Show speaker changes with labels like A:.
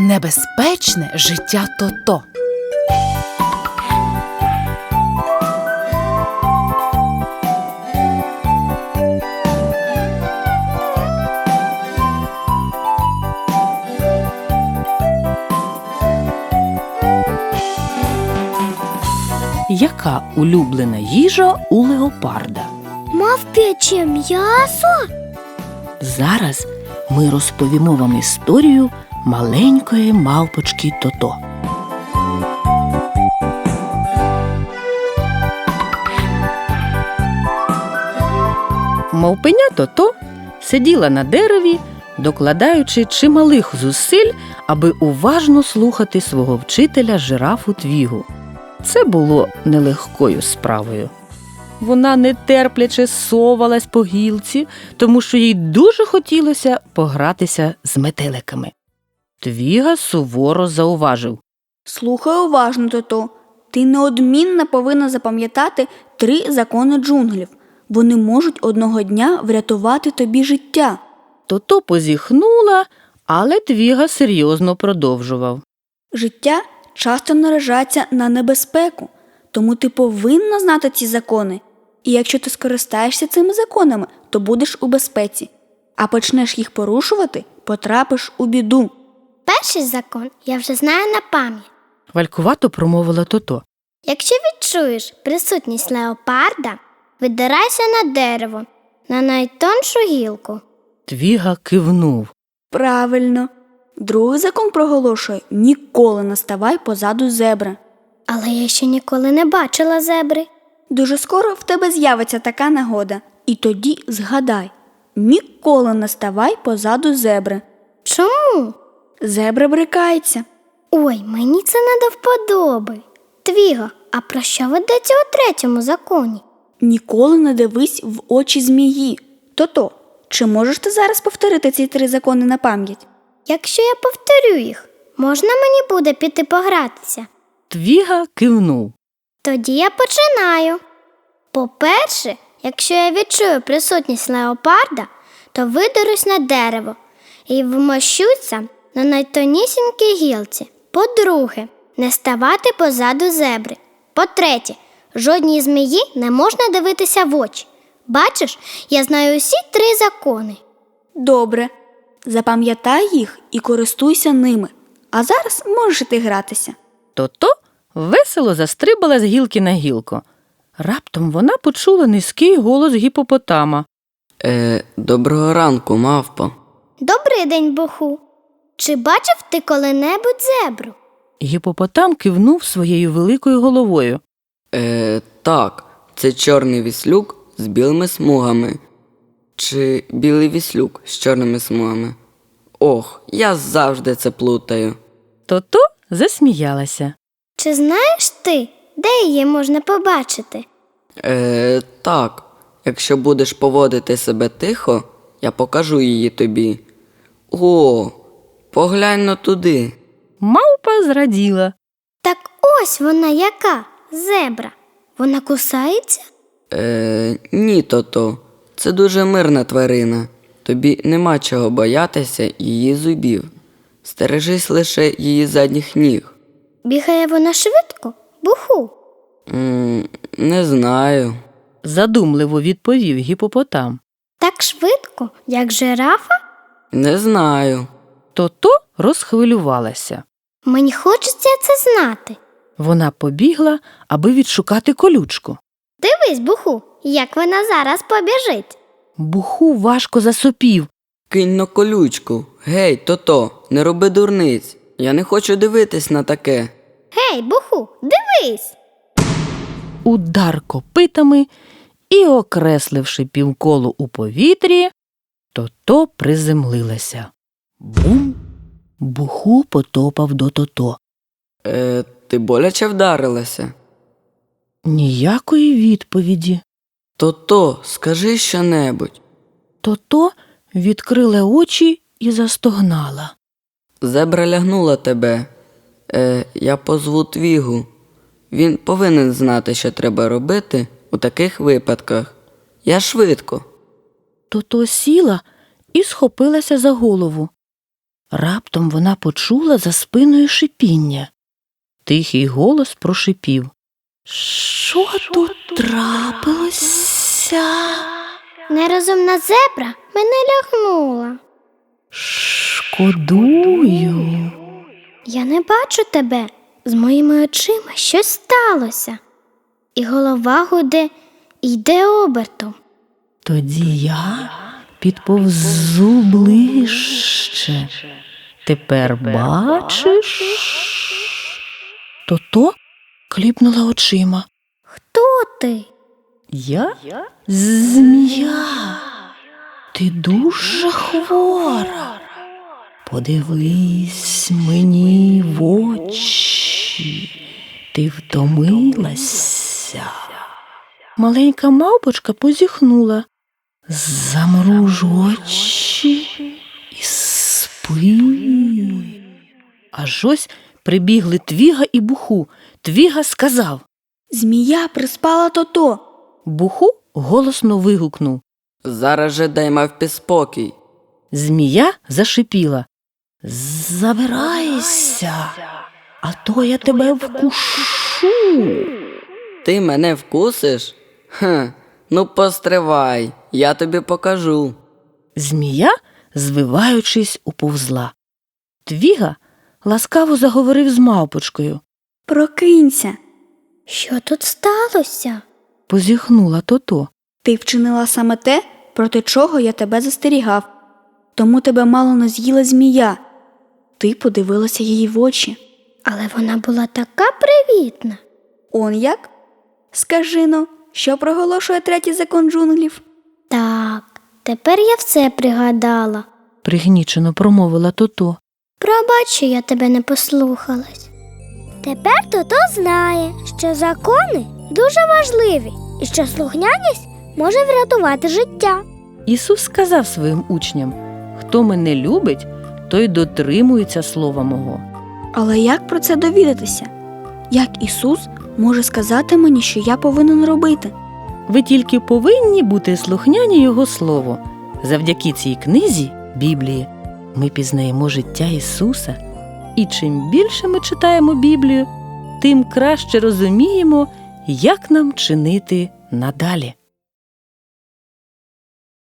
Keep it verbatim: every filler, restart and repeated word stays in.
A: Небезпечне життя Тото. Яка улюблена їжа у леопарда?
B: Мавп'яче м'ясо?
A: Зараз ми розповімо вам історію маленької мавпочки Тото. Мавпеня Тото сиділа на дереві, докладаючи чималих зусиль, аби уважно слухати свого вчителя жирафу Твігу. Це було нелегкою справою. Вона нетерпляче совалась по гілці, тому що їй дуже хотілося погратися з метеликами. Твіга суворо зауважив:
B: Слухай уважно, Тото. Ти неодмінно повинна запам'ятати три закони джунглів. Вони можуть одного дня врятувати тобі життя.
A: Тото позіхнула, але Твіга серйозно продовжував.
B: Життя часто наражається на небезпеку, тому ти повинна знати ці закони. І якщо ти скористаєшся цими законами, то будеш у безпеці. А почнеш їх порушувати, потрапиш у біду.
C: Перший закон я вже знаю на пам'ять.
A: Валькувато промовила Тото.
C: Якщо відчуєш присутність леопарда, видирайся на дерево, на найтоншу гілку.
A: Твіга кивнув.
B: Правильно. Другий закон проголошує – ніколи не ставай позаду зебри.
C: Але я ще ніколи не бачила зебри.
B: Дуже скоро в тебе з'явиться така нагода. І тоді згадай – ніколи не ставай позаду зебри.
C: Чому?
B: Зебра брикається.
C: Ой, мені це не до вподоби. Твіго, а про що ведеться у третьому законі?
B: Ніколи не дивись в очі змії. Тото, чи можеш ти зараз повторити ці три закони на пам'ять?
C: Якщо я повторю їх, можна мені буде піти погратися?
A: Твіга кивнув.
C: Тоді я починаю. По-перше, якщо я відчую присутність леопарда, то видерусь на дерево і вмощуся на найтонісінькій гілці. По-друге, не ставати позаду зебри. По-третє, жодній змії не можна дивитися в очі. Бачиш, я знаю усі три закони.
B: Добре. Запам'ятай їх і користуйся ними. А зараз можеш іти гратися.
A: Тото весело застрибала з гілки на гілку. Раптом вона почула низький голос гіпопотама.
D: Е, доброго ранку, мавпо.
C: Добрий день, Буху. Чи бачив ти коли-небудь зебру?
A: Гіпопотам кивнув своєю великою головою.
D: Е, так, це чорний віслюк з білими смугами. Чи білий віслюк з чорними смугами? Ох, я завжди це плутаю.
A: Тото засміялася.
C: Чи знаєш ти, де її можна побачити?
D: Е, так, якщо будеш поводити себе тихо, я покажу її тобі. О, поглянь но туди.
A: Мавпа зраділа.
C: Так ось вона яка, зебра. Вона кусається?
D: Е, ні, Тото, це дуже мирна тварина. Тобі нема чого боятися її зубів. Стережись лише її задніх ніг.
C: Бігає вона швидко, Буху?
D: М, не знаю.
A: Задумливо відповів гіпопотам.
C: Так швидко, як жирафа?
D: Не знаю.
A: Тото розхвилювалася.
C: Мені хочеться це знати.
A: Вона побігла, аби відшукати колючку.
C: Дивись, Буху, як вона зараз побіжить.
A: Буху важко засопів.
D: Кинь на колючку. Гей, Тото, не роби дурниць. Я не хочу дивитись на таке.
C: Гей, Буху, дивись!
A: Удар копитами і, окресливши півколо у повітрі, Тото приземлилася. Бум! Буху потопав до Тото.
D: Е, ти боляче вдарилася?
A: Ніякої відповіді.
D: Тото, скажи щонебудь.
A: Тото відкрила очі і застогнала.
D: Зебра лягнула тебе. Е, я позву Твігу. Він повинен знати, що треба робити у таких випадках. Я швидко.
A: Тото сіла і схопилася за голову. Раптом вона почула за спиною шипіння. Тихий голос прошипів: «Що тут трапилося?»
C: Нерозумна зебра мене лягнула.
A: «Шкодую».
C: Я не бачу тебе. З моїми очима щось сталося. І голова гуде, і йде обертом.
A: Тоді я підповзу ближче. Тепер бачиш? То-то кліпнула очима.
C: Хто ти?
A: Я змія. Ти дуже хвора. Подивись мені в очі. Ти втомилася. Маленька мавпочка позіхнула. Замруж очі і спи. Аж ось прибігли Твіга і Буху. Твіга сказав:
B: Змія приспала то-то.
A: Буху голосно вигукнув.
D: Зараз же дай мавпі спокій.
A: Змія зашипіла: Забирайся, а то я тебе вкушу.
D: Ти мене вкусиш? Хм, ну постривай, я тобі покажу.
A: Змія, звиваючись, уповзла. Твіга ласкаво заговорив з мавпочкою.
B: Прокинься.
C: Що тут сталося?
A: Позіхнула то-то.
B: Ти вчинила саме те, проти чого я тебе застерігав. Тому тебе мало не з'їла змія. Ти подивилася їй в очі.
C: Але вона була така привітна.
B: Он як? Скажи-но, що проголошує третій закон джунглів?
C: Так, тепер я все пригадала.
A: Пригнічено промовила то-то.
C: Пробач, що я тебе не послухалась. Тепер Тото знає, що закони дуже важливі і що слухняність може врятувати життя.
A: Ісус сказав своїм учням: хто мене любить, той дотримується слова мого.
B: Але як про це довідатися? Як Ісус може сказати мені, що я повинен робити?
A: Ви тільки повинні бути слухняні Його слову. Завдяки цій книзі, Біблії, ми пізнаємо життя Ісуса. І чим більше ми читаємо Біблію, тим краще розуміємо, як нам чинити надалі.